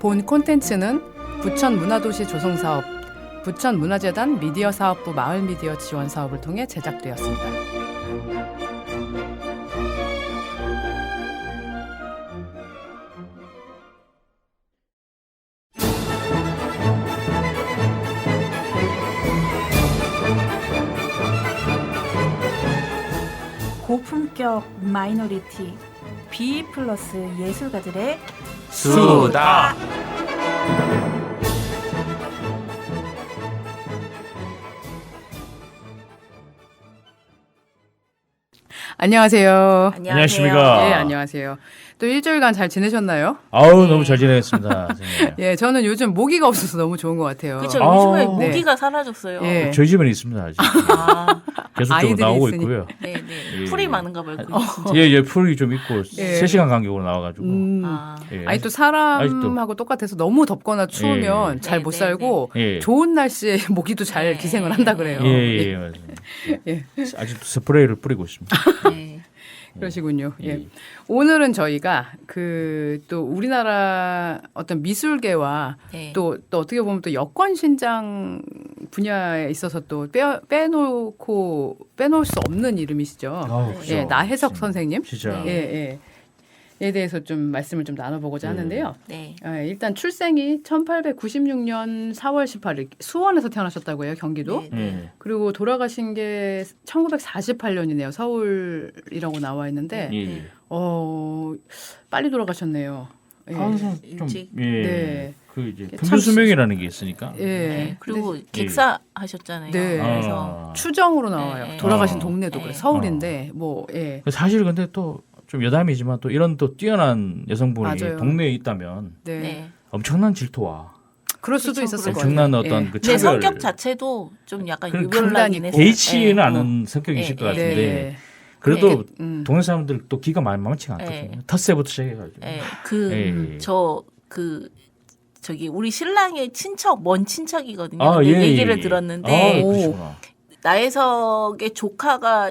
본 콘텐츠는 부천문화도시 조성사업, 부천문화재단 미디어사업부 마을미디어 지원사업을 통해 제작되었습니다. 고품격 마이너리티 B 플러스 예술가들의 수다. 안녕하세요. 안녕하십니까. 예, 안녕하세요. 또 일주일간 잘 지내셨나요? 아우 너무 잘 지내겠습니다. 선생님. 예, 저는 요즘 모기가 없어서 너무 좋은 것 같아요. 그렇죠. 아, 요즘에 네. 모기가 사라졌어요. 예. 저희 집에는 있습니다. 아직. 아, 계속적으로 아이들이 나오고 있으니. 있고요. 네, 네. 예. 풀이 많은가 봐요. 그게 진짜. 예, 풀이 좀 있고 예. 3시간 간격으로 나와가지고. 아, 예. 아니 또 사람하고 똑같아서 너무 덥거나 추우면 예. 잘 네, 못 네, 살고 예. 좋은 날씨에 모기도 잘 네. 기생을 한다 그래요. 예, 예, 맞습니다. 예. 아직도 스프레이를 뿌리고 있습니다. 네. 그러시군요. 예. 예. 오늘은 저희가 또 우리나라 어떤 미술계와 네. 또 어떻게 보면 또 여권 신장 분야에 있어서 또 빼놓을 수 없는 이름이시죠. 아우, 그죠. 예, 나혜석 선생님. 진짜. 네. 예. 에 대해서 좀 말씀을 좀 나눠보고자 하는데요. 네. 일단 출생이 1896년 4월 18일 수원에서 태어나셨다고 해요, 경기도. 네. 예. 그리고 돌아가신 게 1948년이네요. 서울이라고 나와 있는데 예. 빨리 돌아가셨네요. 예. 항상 좀 일찍. 예. 네. 그 이제 참 평균 수명이라는 게 있으니까. 예. 네. 그리고 객사 하셨잖아요. 네. 그래서 추정으로 나와요. 네. 돌아가신 어. 동네도 네. 그래. 서울인데 예. 사실 근데 또 좀 여담이지만 또 이런 또 뛰어난 여성분이 맞아요. 동네에 있다면 네. 네. 엄청난 질투와 그럴 수도 그렇죠. 있었을 것 같아요. 엄청난 어떤 예. 그 내 차별. 성격 자체도 좀 약간 그 유별나긴 강단이 했어요. 개의치는 네. 않은 성격이실 네. 것 같은데 네. 그래도 음. 동네 사람들 또 기가 만만치가 않거든요. 네. 텃세부터 시작해가지고. 예. 예. 저기 우리 신랑의 친척 먼 친척이거든요. 아, 근데 예, 얘기를 예. 들었는데 아, 그러시구나. 나혜석의 조카가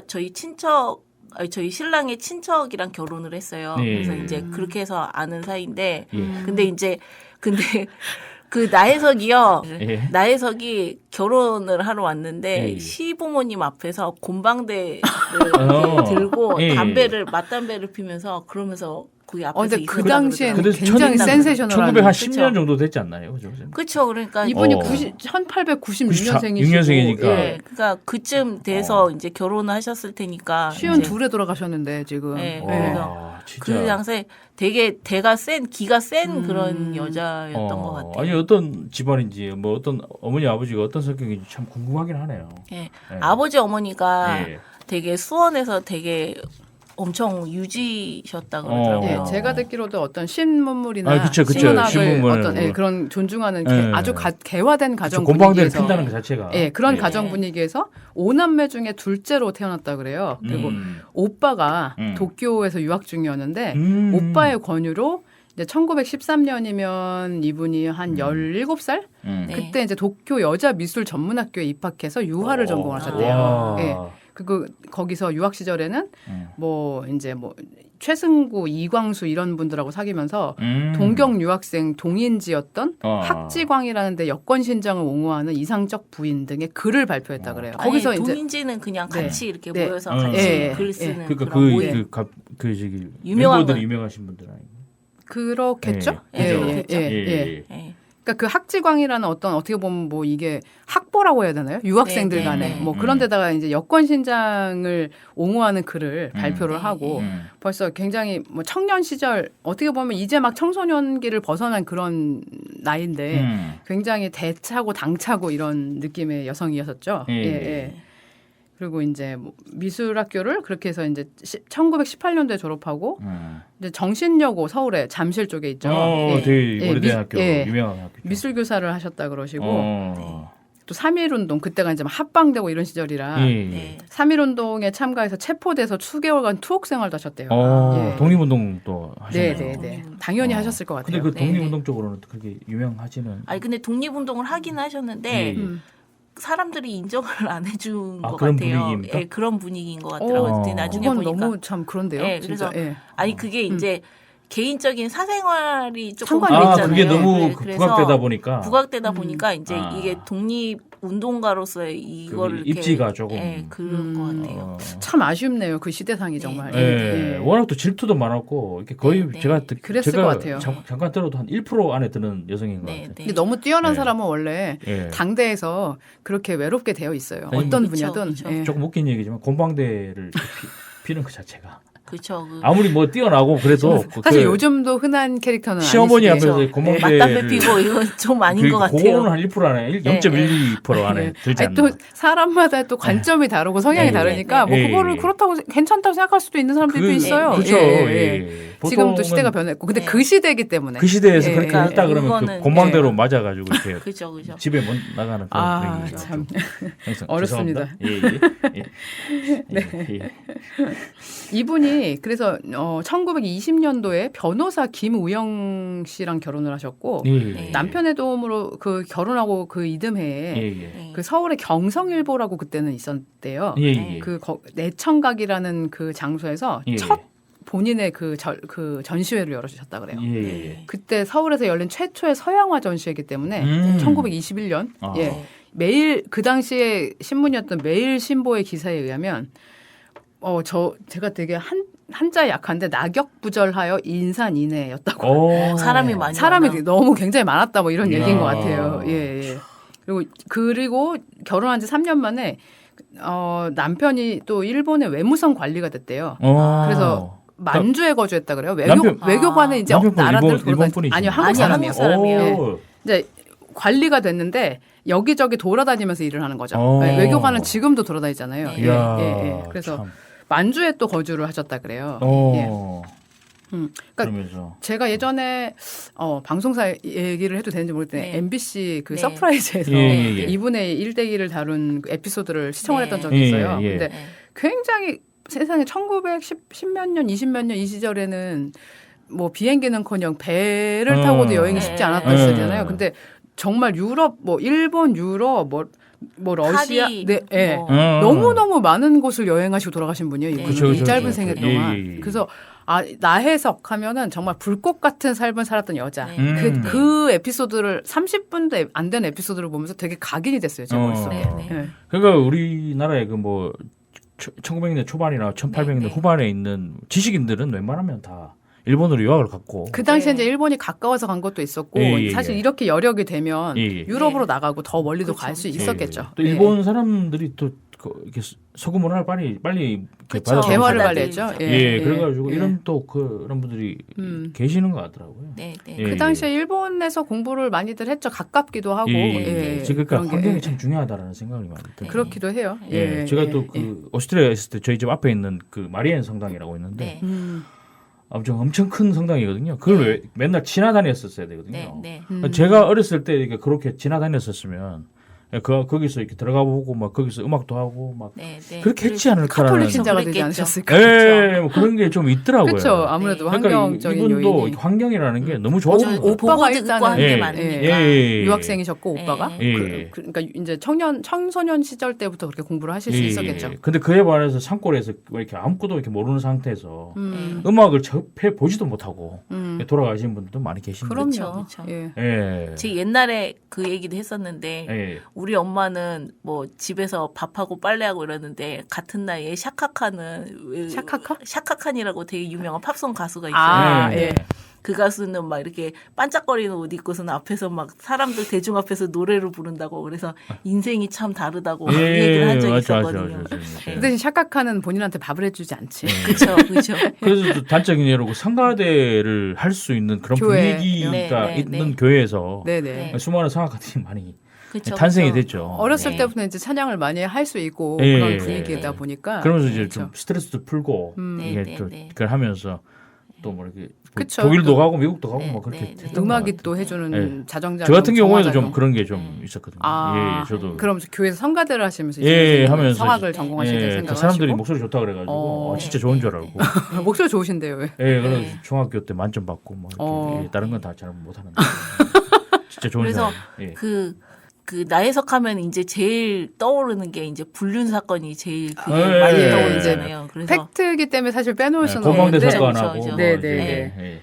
저희 신랑의 친척이랑 결혼을 했어요. 예. 그래서 이제 그렇게 해서 아는 사이인데, 예. 근데 그 나혜석이요. 예. 나혜석이 결혼을 하러 왔는데 예. 시부모님 앞에서 곤방대를 어. 들고 예. 맞담배를 피면서 그러면서 거기 앞에서 근데 그 있었다고 당시에는 근데 굉장히 천- 센세셔널한 1910년 그쵸. 정도 됐지 않나요? 그죠? 그렇죠. 그러니까 이분이 어. 1896년생이시고 6년생이니까. 예, 그러니까 그쯤 돼서 이제 결혼을 하셨을 테니까 쉬운 이제 둘에 돌아가셨는데 지금. 네. 와, 그래서 진짜. 그 당시에 되게 기가 센 그런 여자였던 것 같아요. 아니 어떤 집안인지 뭐 어떤 어머니 아버지가 어떤 성격인지 참 궁금하긴 하네요. 예. 예. 아버지 어머니가 예. 되게 수원에서 되게 엄청 유지셨다 그러더라고요. 예, 제가 듣기로도 어떤 신문물이나 아, 그쵸. 신문학을 신문물. 어떤 그런 존중하는 예. 아주 개화된 가정 곤방대를 분위기에서 핀다는 그 자체가. 예, 그런 예. 가정 분위기에서 5남매 중에 둘째로 태어났다 그래요. 그리고 오빠가 도쿄에서 유학 중이었는데 오빠의 권유로 이제 1913년이면 이분이 한 17살? 네. 그때 이제 도쿄 여자 미술 전문학교에 입학해서 유화를 전공하셨대요. 와. 예. 그리고 거기서 유학 시절에는 뭐 이제 뭐 최승구, 이광수 이런 분들하고 사귀면서 동경 유학생 동인지였던 학지광이라는 데 여권 신장을 옹호하는 이상적 부인 등의 글을 발표했다 그래요. 거기서 아니, 이제 동인지는 그냥 네. 같이 이렇게 네. 모여서 음. 같이 예, 글 예. 쓰는 그러니까 그런 모임. 그 저기 유명한 멤버들이 거. 유명하신 분들 아니에요? 그렇겠죠? 예, 예, 그죠. 예, 그죠. 예, 예. 예. 그러니까 그 학지광이라는 어떻게 보면 뭐 이게 학보라고 해야 되나요? 유학생들 네, 간에 네, 네. 뭐 그런 데다가 이제 여권 신장을 옹호하는 글을 발표를 하고 벌써 굉장히 뭐 청년 시절 어떻게 보면 이제 막 청소년기를 벗어난 그런 나이인데 굉장히 대차고 당차고 이런 느낌의 여성이었었죠. 예. 예, 예. 그리고 이제 뭐 미술학교를 그렇게 해서 이제 1918년도에 졸업하고 이제 정신여고 서울에 잠실 쪽에 있죠. 예. 되게 오래된 학교, 예. 유명한 학교. 미술교사를 하셨다 그러시고 어. 또 3.1운동 그때가 이제 막 합방되고 이런 시절이라 예. 네. 3.1운동에 참가해서 체포돼서 수개월간 투옥 생활도 하셨대요. 예. 독립운동도 하셨네요. 네네네. 당연히 하셨을 것 근데 같아요. 그 네, 독립운동 쪽으로는 그렇게 유명하지는. 아니 근데 독립운동을 하긴 하셨는데 예. 사람들이 인정을 안 해준 것 그런 같아요. 분위기입니까? 예, 그런 분위기인 것 같더라고요. 오, 근데 나중에 그건 보니까 너무 참 그런데요. 예, 진짜. 그래서 예. 아니 그게 이제 개인적인 사생활이 조금 상관이 있잖아요. 그게 너무 네, 그 그래서 부각되다 보니까 부각되다 보니까 이제 아. 이게 독립 운동가로서의 이거를 이렇게, 입지가 조금 그런 것 같아요. 참 아쉽네요. 그 시대상이 정말. 예. 워낙 또 질투도 많았고 이렇게 거의 네, 제가 네. 그랬을 제가 것 같아요. 잠깐 들어도 한 1% 안에 드는 여성인 것 네, 같아요. 네. 근데 너무 뛰어난 네. 사람은 원래 예. 당대에서 그렇게 외롭게 되어 있어요. 아니, 어떤 그쵸, 분야든. 그쵸. 예. 조금 웃긴 얘기지만 곰방대를 피는 그 자체가 그렇죠. 아무리 뭐 뛰어나고 그래도 사실 그 요즘도 흔한 캐릭터는 시어머니 아니시죠. 앞에서 예. 곰방대를 맞담배 피고 이건 좀 아닌 것 같아요. 그거는 한 1% 안에 0.12% 안에 예. 들지 아니, 않나. 또 사람마다 또 관점이 다르고 성향이 예. 다르니까 뭐 예. 그거를 그렇다고 괜찮다고 생각할 수도 있는 사람들도 있어요. 그렇죠. 예, 예, 예. 예. 지금도 보통은 시대가 변했고 근데 예. 그 시대이기 때문에 그 시대에서 예, 그렇게 예. 했다 그러면 그 그거는- 곰방대로 예. 맞아가지고 이렇게 그죠, 그죠. 집에 못 나가는 그런 아, 분위기죠. 참. 항상 어렵습니다. 죄송합니다. 예. 이분이 그래서 1920년도에 변호사 김우영 씨랑 결혼을 하셨고 예. 남편의 도움으로 그 결혼하고 그 이듬해에 예. 그 서울의 경성일보라고 그때는 있었대요. 예. 그 내청각이라는 그 장소에서 예. 첫 본인의 그 전시회를 열어주셨다 그래요. 예. 그때 서울에서 열린 최초의 서양화 전시회이기 때문에 1921년 아. 예. 매일 그 당시에 신문이었던 매일 신보의 기사에 의하면 제가 되게 한자 약한데 낙엽부절하여 인산인해였다고. 사람이 많이 사람이 많아. 너무 굉장히 많았다 뭐 이런 이야. 얘기인 것 같아요. 예. 그리고 결혼한 지 3년 만에 남편이 또 일본의 외무성 관리가 됐대요. 그래서 만주에 거주했다 그래요. 외교관은 이제 남편분 나라들 일본 분이시죠? 아니요 한국 아니, 사람이에요. 한국 사람이에요. 예. 이제 관리가 됐는데 여기저기 돌아다니면서 일을 하는 거죠. 오. 네, 외교관은 지금도 돌아다니잖아요. 네. 예. 그래서 만주에 또 거주를 하셨다 그래요. 예. 그러니까 그러면서 제가 예전에 방송사 얘기를 해도 되는지 모르겠는데 네. MBC 그 네. 서프라이즈에서 예. 이분의 일대기를 다룬 그 에피소드를 시청을 네. 했던 적이 있어요. 예. 근데 네. 굉장히 세상에 1910몇 년, 20몇 년 이 시절에는 뭐 비행기는커녕 배를 타고도 여행이 쉽지 않았던 시대잖아요. 근데 정말 유럽, 뭐 일본, 유럽, 뭐 러시아, 파리, 네, 예. 뭐. 너무너무 많은 곳을 여행하시고 돌아가신 분이에요. 이분이. 그쵸, 이 짧은 그쵸. 생애 예, 동안. 예, 예. 그래서 나혜석 하면은 정말 불꽃 같은 삶을 살았던 여자. 네. 그 에피소드를 30분도 안 된 에피소드를 보면서 되게 각인이 됐어요. 제 머릿속에. 네. 예. 그러니까 우리나라의 그 뭐 1900년대 초반이나 1800년대 네. 후반에 있는 지식인들은 웬만하면 다 일본으로 유학을 갔고 그 당시에 네. 이제 일본이 가까워서 간 것도 있었고 예. 사실 이렇게 여력이 되면 예. 유럽으로 네. 나가고 더 멀리도 그쵸. 갈 수 예. 있었겠죠. 또 일본 사람들이 또 이렇게 서구 문화를 빨리 이렇게 그쵸. 받아들이고 개화를 받아들이죠. 빨리 했죠. 예, 그래가지고 예. 이런 또 그런 분들이 계시는 것 같더라고요. 네, 네. 예. 그 당시에 일본에서 공부를 많이들 했죠. 가깝기도 하고. 예. 지금 그러니까 그런 게, 환경이 예. 참 중요하다라는 생각이 많이 들어요. 그렇기도 해요. 예, 제가 또 그 오스트리아에 있을 때 저희 집 앞에 있는 그 마리엔 성당이라고 있는데 네. 엄청 큰 성당이거든요. 그걸 왜 맨날 지나다녔었어야 되거든요. 네. 네. 제가 어렸을 때 이렇게 그렇게 지나다녔었으면 거기서 이렇게 들어가 보고 막 거기서 음악도 하고 막 네, 네. 그렇게 했지 않을까라는 카톨릭 신자가 되지 그랬겠죠. 않으셨을까? 예, 뭐 그런 게 좀 있더라고요. 그렇죠. 아무래도 그러니까 환경적인 이분도 요인이. 환경이라는 게 너무 좋은 것 오빠가 보고 듣고 일단은 한 게 예. 많으니까. 유학생이셨고 예. 오빠가 예. 그러니까 이제 청소년 시절 때부터 그렇게 공부를 하실 수 있었겠죠. 근데 그에 반해서 산골에서 이렇게 아무것도 이렇게 모르는 상태에서 네. 음악을 접해 보지도 못하고 돌아가신 분들도 많이 계신데. 그럼요. 그쵸. 예. 예. 제 옛날에 그 얘기도 했었는데 예. 우리 엄마는 뭐 집에서 밥하고 빨래하고 이러는데 같은 나이에 샤카칸은 샤카칸이라고 되게 유명한 팝송 가수가 있어요. 아, 네. 예. 그 가수는 막 이렇게 반짝거리는 옷 입고서는 앞에서 막 사람들 대중 앞에서 노래를 부른다고 그래서 인생이 참 다르다고 그 얘기를 한 적이 있었거든요. 그 대신 샤카카는 본인한테 밥을 해주지 않지. 그렇죠, 그렇죠. 그래서 또 단적인 예로고 성가대를 할 수 있는 그런 교회. 분위기가 네, 네, 있는 네. 교회에서 네네. 수많은 성악가들이 많이 그쵸, 탄생이 그쵸. 됐죠. 어렸을 네. 때부터 이제 찬양을 많이 할 수 있고 예. 그런 분위기다 보니까. 그러면서 이제 그렇죠. 좀 스트레스도 풀고 네, 이게 네, 또 네. 그걸 하면서 또 뭐 이렇게 그쵸. 독일도 또 가고 미국도 가고 네, 막 그렇게 네, 네. 했던 것 음악이 같아요. 또 해주는 예. 자정작. 저 같은 경우에도 좀 그런 게 좀 있었거든요. 아, 예, 저도 그럼 교회에서 성가대를 하시면서 예, 이제 하면서 성악을 이제- 전공하실 때 예, 생각을 그 사람들이 하시고 목소리 좋다 그래가지고 어. 진짜 좋은 줄 알고 목소리 좋으신데요. 왜? 예, 그래서 네. 중학교 때 만점 받고 뭐 이렇게 예, 다른 건 다 잘 못하는데 진짜 좋은 줄 그래서 알고 예. 그 나혜석 하면 이제 제일 떠오르는 게 이제 불륜 사건이 제일 그게 예, 많이 예, 떠오르잖아요. 그래서 팩트이기 때문에 사실 빼놓을 수는 고망대 없는데. 사건하고 그쵸, 뭐 네, 이제, 네, 예.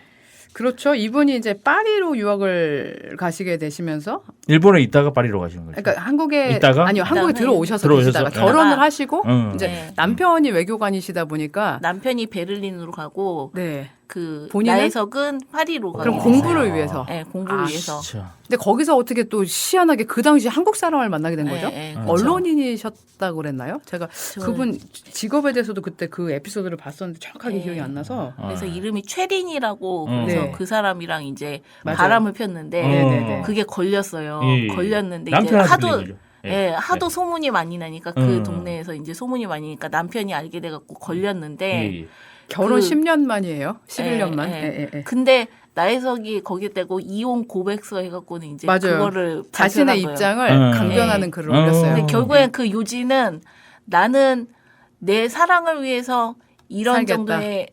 그렇죠. 이분이 이제 파리로 유학을 가시게 되시면서 일본에 있다가 파리로 가시는 거죠. 그러니까 한국에 있다가? 아니요 한국에 들어오셔서 들어오셔서 계시다가 결혼을 하시고 이제 네. 남편이 외교관이시다 보니까 남편이 베를린으로 가고 네. 그 본인은? 나혜석은 파리로 가고 그럼 공부를 위해서. 네, 공부를 아, 위해서. 진짜. 근데 거기서 어떻게 또 희한하게 그 당시 한국 사람을 만나게 된 거죠? 네, 그렇죠. 언론인이셨다고 그랬나요? 제가 저는- 그분 직업에 대해서도 그때 그 에피소드를 봤었는데 정확하게 네. 기억이 안 나서. 그래서 이름이 최린이라고 그래서 네. 그 사람이랑 이제 맞아요. 바람을 폈는데 네네네. 그게 걸렸어요. 예, 예. 걸렸는데 이제 남편한테 하도 들린 거죠. 하도 소문이 많이 나니까 그 동네에서 이제 소문이 많이 나니까 남편이 알게 돼갖고 걸렸는데 예. 결혼 그- 10년 만이에요. 11년만. 예, 예. 예, 예. 근데 나혜석이 거기에 대고 이혼 고백서 해갖고는 이제 맞아요. 그거를 자신의 발표한 거예요. 입장을 강변하는 예. 글을 올렸어요. 근데 결국엔 그 요지는 나는 내 사랑을 위해서 이런 살겠다. 정도의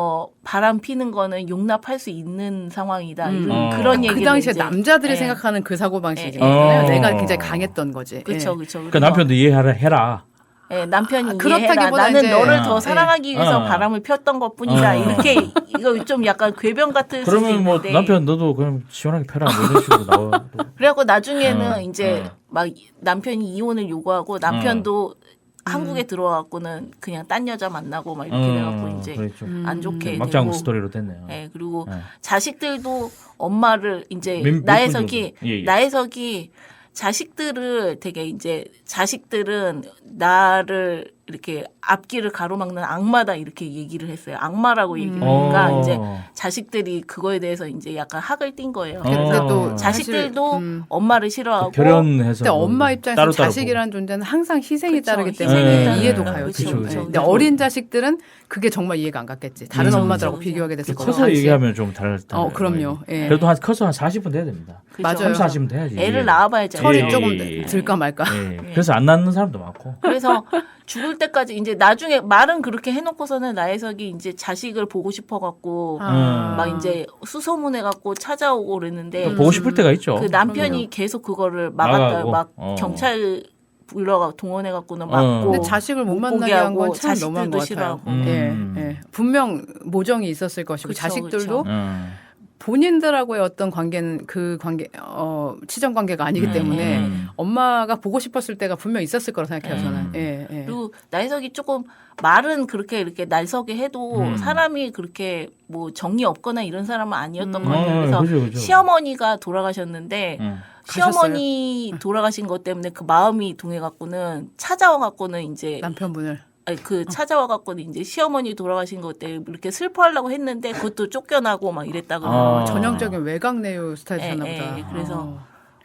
바람 피는 거는 용납할 수 있는 상황이다. 이런 어. 그런 그 얘기를 당시에 이제, 남자들이 예. 생각하는 그 사고 방식이잖아요. 어. 내가 굉장히 강했던 거지. 그렇죠, 예. 그렇죠. 그러니까 남편도 이해해라. 예, 남편이 이해해라. 그렇다기보다 나는 이제- 너를 어. 더 사랑하기 위해서 어. 바람을 폈던 것뿐이다. 어. 이렇게 이거 좀 약간 궤변 같은 수도 그러면 뭐 있는데. 남편 너도 그럼 시원하게 펴라 뭐 이런 식으로 나와. 그래갖고 나중에는 이제 어. 막 남편이 이혼을 요구하고 남편도 한국에 들어와갖고는 그냥 딴 여자 만나고 막 이렇게 돼갖고 이제 그렇죠. 안 좋게 막장 되고. 스토리로 됐네요. 예, 그리고 예. 자식들도 엄마를 이제 몇 나혜석이 분 정도? 예, 예. 나혜석이 자식들을 되게 이제 자식들은 나를 이렇게 앞길을 가로막는 악마다 이렇게 얘기를 했어요. 악마라고 얘기를 하니까 어. 이제 자식들이 그거에 대해서 이제 약간 학을 띈 거예요. 어. 근데 또 자식들도 사실, 엄마를 싫어하고 결연해서. 근데 엄마 입장에서 따로 자식이라는 존재는 항상 희생이 그쵸, 따르기 희생이 때문에 따르니까. 이해도 그쵸, 가요. 그쵸, 지금. 그쵸. 근데 어린 자식들은 그게 정말 이해가 안 갔겠지. 다른 그쵸, 엄마들하고 그쵸. 비교하게 됐을 거예요. 커서 얘기하면 좀 다를 텐데. 그럼요. 예. 그래도 커서 한 40분 돼야 됩니다. 그렇죠. 맞아요. 30, 40분 돼야지. 애를 낳아봐야지. 철이 예, 조금 예, 예. 들까 말까. 예. 그래서 안 낳는 사람도 많고. 그래서 죽을 때까지 이제 나중에 말은 그렇게 해놓고서는 나혜석이 이제 자식을 보고 싶어갖고 아. 막 이제 수소문해갖고 찾아오고 그랬는데 또 보고 싶을 때가 있죠. 그 남편이 계속 그거를 막았다. 막아가고. 막 어. 경찰 불러가 동원해갖고는 막고. 근데 자식을 못 못 만나게 보게 한 하고 건 참 너무한 것 자식들도 같아요. 싫어하고. 예. 분명 모정이 있었을 것이고 그쵸, 자식들도 그쵸. 본인들하고의 어떤 관계는 그 관계 치정 관계가 아니기 때문에 엄마가 보고 싶었을 때가 분명 있었을 거라 생각해요 저는. 예, 예. 그리고 나혜석이 조금 말은 그렇게 이렇게 날서게 해도 사람이 그렇게 뭐 정이 없거나 이런 사람은 아니었던 것 같아요. 그래서 그죠. 시어머니가 돌아가셨는데 시어머니 돌아가신 것 때문에 그 마음이 동해갖고는 찾아와갖고는 이제 남편분을 아니, 그 찾아와갖고는 이제 시어머니 돌아가신 것 때문에 이렇게 슬퍼하려고 했는데 그것도 쫓겨나고 막 이랬다 그래요. 전형적인 외곽 내유 스타일이셨나 예, 보다. 예, 그래서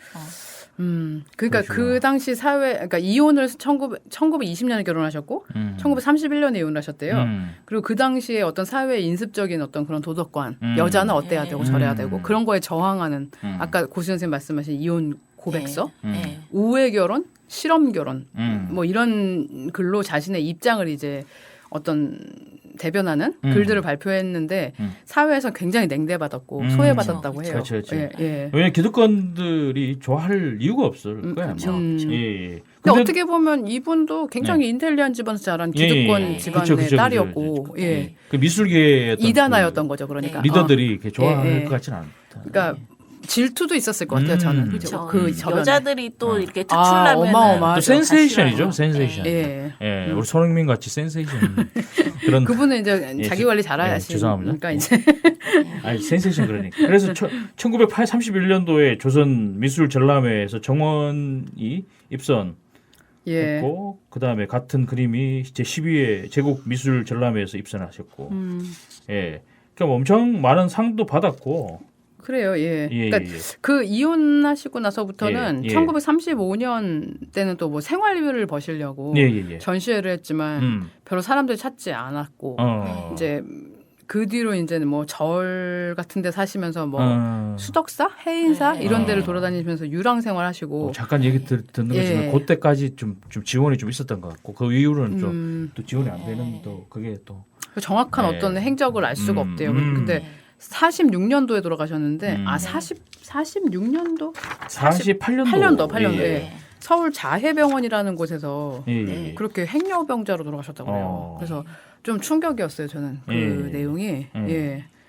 그러니까 그러시구나. 그 당시 사회, 그러니까 이혼을 1920년에 결혼하셨고 1931년에 이혼을 하셨대요. 그리고 그 당시에 어떤 사회의 인습적인 어떤 그런 도덕관, 여자는 어때야 되고 저래야 되고 그런 거에 저항하는 아까 고수 선생님 말씀하신 이혼 고백서, 예. 우회 결혼, 실험 결혼, 뭐 이런 글로 자신의 입장을 이제 어떤 대변하는 글들을 발표했는데 사회에서 굉장히 냉대받았고 소외받았다고 해요. 그렇죠. 예, 예. 왜냐면 기득권들이 좋아할 이유가 없을 거야. 그렇죠. 아마. 음. 예. 근데 어떻게 보면 이분도 굉장히 인텔리한 집안에서 자란 기득권 예, 예. 집안의 그쵸. 딸이었고, 예. 그 미술계의 어떤 이단아였던 거죠, 그러니까. 그 리더들이 이렇게 좋아할 예, 예. 것 같지는 않다. 그러니까 질투도 있었을 것 같아요, 저는. 그렇죠. 그 저변에. 여자들이 또 이렇게 특출나면 어마어마하죠. 또 센세이션이죠, 센세이션. 예. 예, 우리 손흥민 같이 센세이션 그런. 그분은 이제 예, 자기 관리 예, 잘하시니까 죄송합니다. 이제 아니 센세이션 그러니까. 그래서 1931년도에 조선 미술 전람회에서 정원이 입선했고 예. 그다음에 같은 그림이 제 12회 제국 미술 전람회에서 입선하셨고. 예. 그러니까 엄청 많은 상도 받았고. 그래요, 예. 예, 그러니까 예. 그 이혼하시고 나서부터는 예, 예. 1935년 때는 또 뭐 생활비를 버시려고 예. 전시회를 했지만 별로 사람들이 찾지 않았고 이제 그 뒤로 이제는 뭐 절 같은 데 사시면서 뭐 수덕사, 해인사 이런 데를 돌아다니면서 유랑 생활하시고 잠깐 얘기 듣는 예. 거지만 그때까지 좀 지원이 좀 있었던 것 같고 그 이후로는 좀 또 지원이 안 되는 또 그게 또 정확한 네. 어떤 행적을 알 수가 없대요. 근데 46년도에 돌아가셨는데 46년도 48년도 8년도 예. 서울 자해병원이라는 곳에서 예. 그렇게 행여병자로 돌아가셨다고 해요. 그래서 좀 충격이었어요, 저는 그 예. 내용이. 예.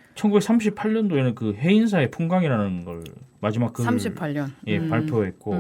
1938년도에는 그 해인사의 풍광이라는 걸 마지막 그 38년. 발표했고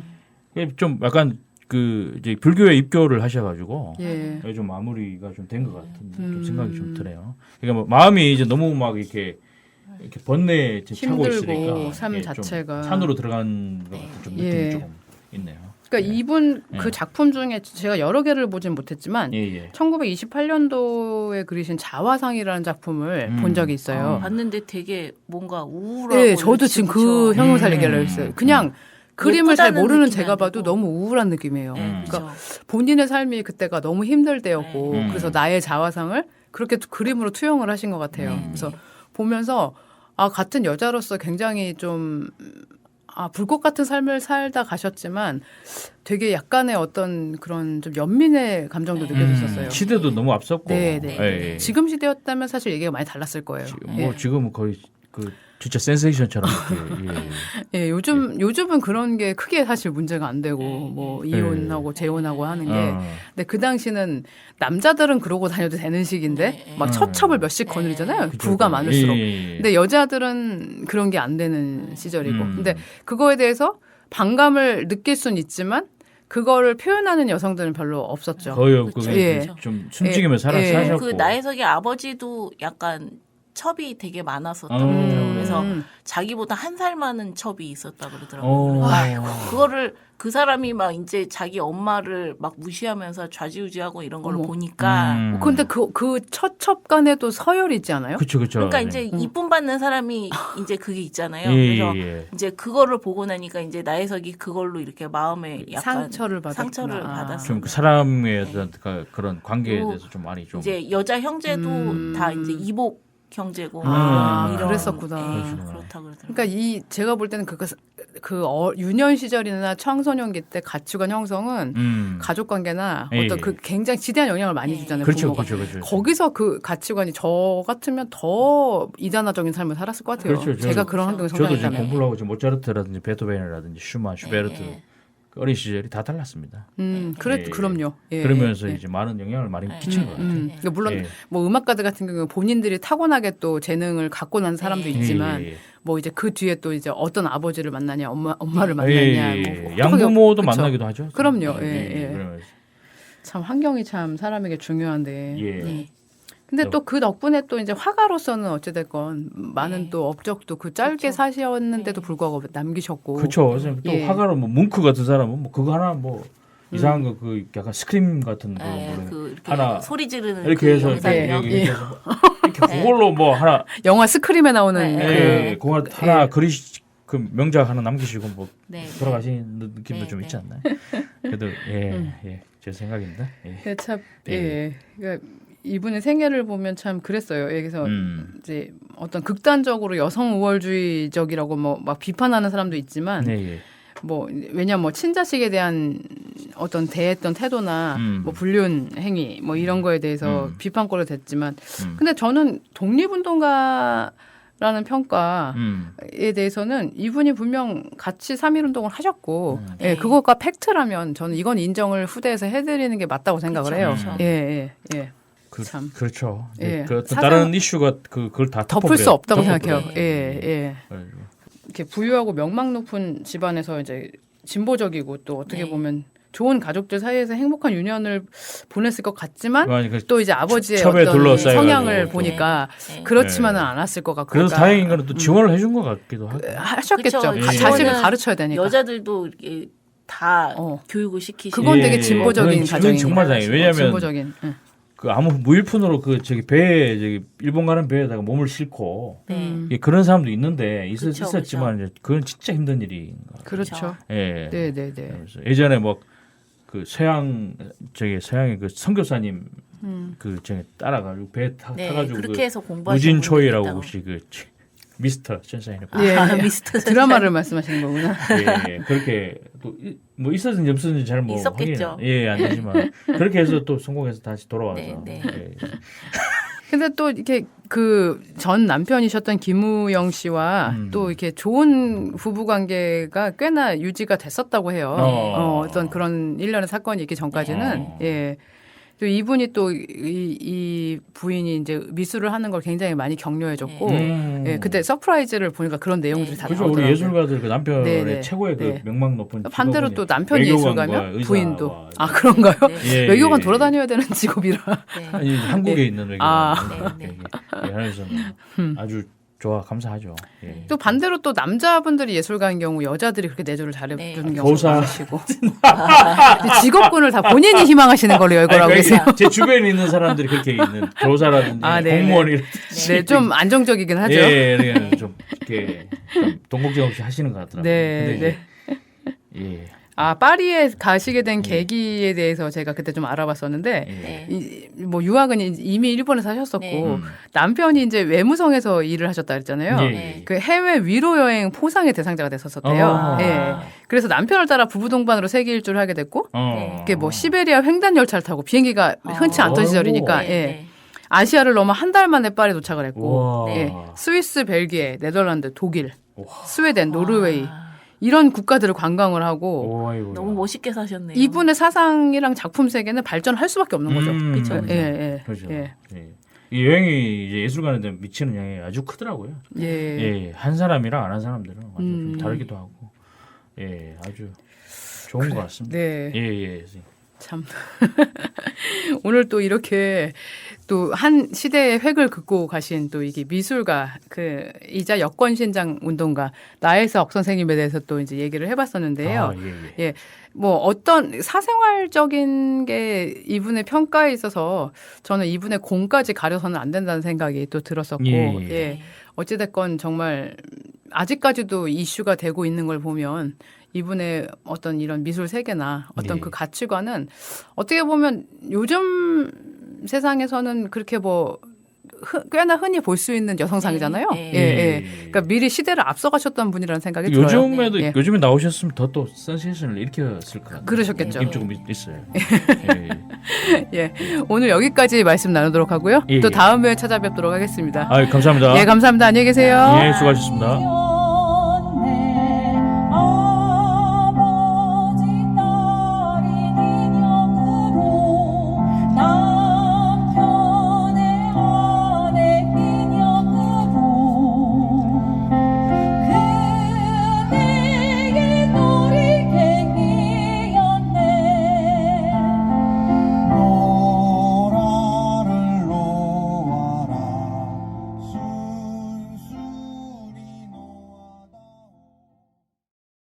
좀 약간 그 이제 불교에 입교를 하셔가지고 예. 좀 마무리가 좀 된 것 같은 좀 생각이 좀 드네요. 그러니까 뭐 마음이 이제 너무 막 이렇게 번뇌에 차고 힘들고 있으니까 삶 예, 좀 자체가. 산으로 들어간 것 같은 좀 느낌이 예. 조금 있네요. 그러니까 예. 이분 그 예. 작품 중에 제가 여러 개를 보진 못했지만 예. 1928년도에 그리신 자화상이라는 작품을 본 적이 있어요. 봤는데 되게 뭔가 우울하고. 네, 저도 지금 그 그쵸? 형용사를 얘기하려고 했어요. 그냥 그림을 잘 예쁘다는 모르는 느낌이 제가 안 봐도 들고. 너무 우울한 느낌이에요. 네, 그러니까 그쵸. 본인의 삶이 그때가 너무 힘들 때였고 네. 그래서 나의 자화상을 그렇게 그림으로 투영을 하신 것 같아요. 그래서 보면서 같은 여자로서 굉장히 좀 불꽃 같은 삶을 살다 가셨지만 되게 약간의 어떤 그런 좀 연민의 감정도 느껴졌었어요. 시대도 너무 앞섰고. 네, 네. 예. 지금 시대였다면 사실 얘기가 많이 달랐을 거예요. 예. 지금은 거의 그 진짜 센세이션처럼 이렇게. 예, 요즘은 그런 게 크게 사실 문제가 안 되고 뭐 이혼하고 재혼하고 하는 게 근데 그 당시는 남자들은 그러고 다녀도 되는 시기인데 막 처첩을 몇씩 거느리잖아요. 부가 많을수록. 근데 여자들은 그런 게 안 되는 시절이고. 근데 그거에 대해서 반감을 느낄 수는 있지만 그거를 표현하는 여성들은 별로 없었죠. 거의 없고 그쵸. 예. 좀 숨지기면 사셨고. 그 나혜석의 아버지도 약간 첩이 되게 많았었다고 음. 그러더라고요. 그래서 자기보다 한 살 많은 첩이 있었다고 그러더라고요. 그래서 그거를 그 사람이 막 이제 자기 엄마를 막 무시하면서 좌지우지하고 이런 걸 어머. 보니까 근데 그 처첩간에도 서열이 있지 않아요? 그렇죠. 그러니까 이제 이쁨 받는 사람이 이제 그게 있잖아요. 예, 그래서 예. 이제 그거를 보고 나니까 이제 나혜석이 그걸로 이렇게 마음에 약간 상처를 받았구나. 상처를 받았어요. 좀 그 사람에 대한 그런 관계에 그리고 대해서 좀 많이 좀 이제 여자 형제도 다 이제 이복 형제고 이런 그랬었구나. 그렇다 그러더라고요. 그러니까 제가 볼 때는 유년 시절이나 청소년기 때 가치관 형성은 가족 관계나 예, 어떤 그 굉장히 지대한 영향을 많이 주잖아요. 그렇죠, 부모가. 그렇죠. 거기서 그 가치관이 저 같으면 더 이단화적인 삶을 살았을 것 같아요. 그렇죠. 제가 그런 환경에 저도 지금 성장했다면. 공부를 하고 지금 모차르트라든지 베토벤이라든지 슈만, 슈베르트 그 어린 시절이 다 달랐습니다. 그럼요. 예, 그러면서 예. 이제 많은 영향을 많이 끼친 것 같아요. 그러니까 물론 예. 뭐 음악가들 같은 경우는 본인들이 타고나게 또 재능을 갖고 난 사람도 있지만 예, 예. 뭐 이제 그 뒤에 또 이제 어떤 아버지를 만나냐, 엄마를 만나냐, 예. 뭐 양부모도 그쵸. 만나기도 하죠. 그럼요. 예. 그러면서. 참 환경이 참 사람에게 중요한데. 예. 근데 또 그 덕분에 또 이제 화가로서는 어찌됐건 많은 또 업적도 그 짧게 사셨는데도 불구하고 남기셨고. 그렇죠. 그래서 또 예. 화가로 뭐 뭉크 같은 사람은 뭐 그거 하나 뭐 이상한 거 그 약간 스크림 같은 거 뭐 그 이렇게 하나 소리 지르는 이렇게 그 해서 영상이요. 이렇게 해서 이렇게 그걸로 뭐 하나 영화 스크림에 나오는 예, 그거 하나 그 명작 하나 남기시고 뭐 네. 돌아가시는 느낌도 네, 좀 네. 있지 않나요? 그래도 제 생각입니다. 예. 참, 예. 그러니까 이분의 생애를 보면 참 그랬어요. 여기서 음. 이제 어떤 극단적으로 여성 우월주의적이라고 뭐 막 비판하는 사람도 있지만 네, 예. 뭐 왜냐면 뭐 친자식에 대한 어떤 대했던 태도나 뭐 불륜 행위 뭐 이런 거에 대해서 비판거리 됐지만 근데 저는 독립운동가라는 평가에 대해서는 이분이 분명 같이 3.1운동을 하셨고 예, 그것과 팩트라면 저는 이건 인정을 후대에서 해드리는 게 맞다고 생각을 해요. 그쵸. 예. 참. 그렇죠. 예. 그 어떤 사상- 다른 이슈가 그걸 다 덮을 수 없다고 덮어버려요. 생각해요. 예. 이렇게 부유하고 명망 높은 집안에서 이제 진보적이고 또 어떻게 보면 좋은 가족들 사이에서 행복한 유년을 보냈을 것 같지만 또 이제 아버지의 첩에 어떤 둘러싸여가지고 성향을 또. 보니까 네. 그렇지만은 않았을 것 같고. 그래서 그러니까 다행인 거는 또 지원을 해준 것 같기도 하고. 하셨겠죠. 그쵸. 자식을 지원은 가르쳐야 되니까. 여자들도 이렇게 다 교육을 시키시고 그건 되게 진보적인 그건 가정이니까. 정말 다행이에요. 왜냐하면 진보적인. 응. 그 아무 무일푼으로 그 배에 일본 가는 배에다가 몸을 싣고 예, 그런 사람도 있는데 그쵸, 있었지만 이제 그건 진짜 힘든 일인 것 같아요. 그렇죠. 예. 네. 그래서 예전에 뭐 그 서양의 그 선교사님 그 따라가지고 배 타가지고 그렇게 그 해서 공부하시는 우진초이라고 분들이 혹시 그 미스터 천사인의 예. 미스터 드라마를 말씀하시는 거구나. 예, 그렇게 또 뭐 있었는지 없었는지 잘 뭐 있었겠죠. 안 되지만 그렇게 해서 또 성공해서 다시 돌아와서 네. 예. 근데 또 이렇게 그 전 남편이셨던 김우영 씨와 또 이렇게 좋은 부부 관계가 꽤나 유지가 됐었다고 해요. 어떤 그런 일련의 사건이 있기 전까지는 예. 또 이분이 또 이 부인이 이제 미술을 하는 걸 굉장히 많이 격려해줬고 예, 그때 서프라이즈를 보니까 그런 내용들이 다 그죠. 나오더라고요. 우리 예술가들 그 남편의 네, 네. 최고의 그 네. 명망 높은 반대로 직업은 또 남편이 외교관과 예술가면 의사와 부인도 그런가요? 예, 외교관 예. 돌아다녀야 되는 직업이라. 네. 아니, 한국에 네. 있는 외교관 아. 네, 네. 그래서 아주 좋아 감사하죠. 예. 또 반대로 또 남자분들이 예술가인 경우 여자들이 그렇게 내조를 잘해주는 네. 경우가 교사. 많으시고 직업군을 다 본인이 희망하시는 걸로 열거라고 아니, 계세요. 제 주변에 있는 사람들이 그렇게 있는 교사라든지 아, 네, 공무원이라든지 네, 좀 안정적이긴 하죠. 예, 예, 좀 이렇게 좀 동공지 없이 하시는 것 같더라고요. 네, 근데 이제, 예. 아 파리에 가시게 된 계기에 대해서 제가 그때 좀 알아봤었는데 네. 뭐 유학은 이미 일본에 사셨었고 네. 남편이 이제 외무성에서 일을 하셨다 그랬잖아요. 예, 네. 그 해외 위로 여행 포상의 대상자가 됐었대요. 아. 예. 그래서 남편을 따라 부부 동반으로 세계 일주를 하게 됐고 이게 뭐 시베리아 횡단 열차를 타고 비행기가 흔치 않던 아이고. 시절이니까 네, 예. 네. 아시아를 넘어 한 달 만에 파리에 도착을 했고 우와. 예. 스위스, 벨기에, 네덜란드, 독일, 우와. 스웨덴, 노르웨이 아, 이런 국가들을 관광을 하고 오, 아이고. 너무 멋있게 사셨네요. 이분의 사상이랑 작품 세계는 발전할 수밖에 없는 거죠. 그렇죠. 예, 예, 그렇죠. 예, 예. 이 여행이 이제 예술가한테 미치는 영향이 아주 크더라고요. 예. 예, 한 사람이랑 안 한 사람들은 완전 좀 다르기도 하고, 예, 아주 좋은 것 같습니다. 네. 예, 예. 참 오늘 또 이렇게 또 한 시대의 획을 긋고 가신 또 이게 미술가 그 이자 여권 신장 운동가 나혜석 선생님에 대해서 또 이제 얘기를 해봤었는데요. 아, 예, 예. 예, 뭐 어떤 사생활적인 게 이분의 평가에 있어서 저는 이분의 공까지 가려서는 안 된다는 생각이 또 들었었고, 예, 예. 예, 어찌됐건 정말 아직까지도 이슈가 되고 있는 걸 보면 이분의 어떤 이런 미술 세계나 어떤 예. 그 가치관은 어떻게 보면 요즘 세상에서는 그렇게 뭐 꽤나 흔히 볼 수 있는 여성상이잖아요. 네, 예, 네. 예. 그러니까 미리 시대를 앞서가셨던 분이라는 생각이 들어요. 요즘에도 예. 요즘에 나오셨으면 더 또 센세이션을 일으켰을 것 같아요. 그러셨겠죠. 느낌 조금 있어요. 예. 예, 오늘 여기까지 말씀 나누도록 하고요. 예, 또 예. 다음 회에 찾아뵙도록 하겠습니다. 아, 감사합니다. 예, 감사합니다. 안녕히 계세요. 예, 수고하셨습니다.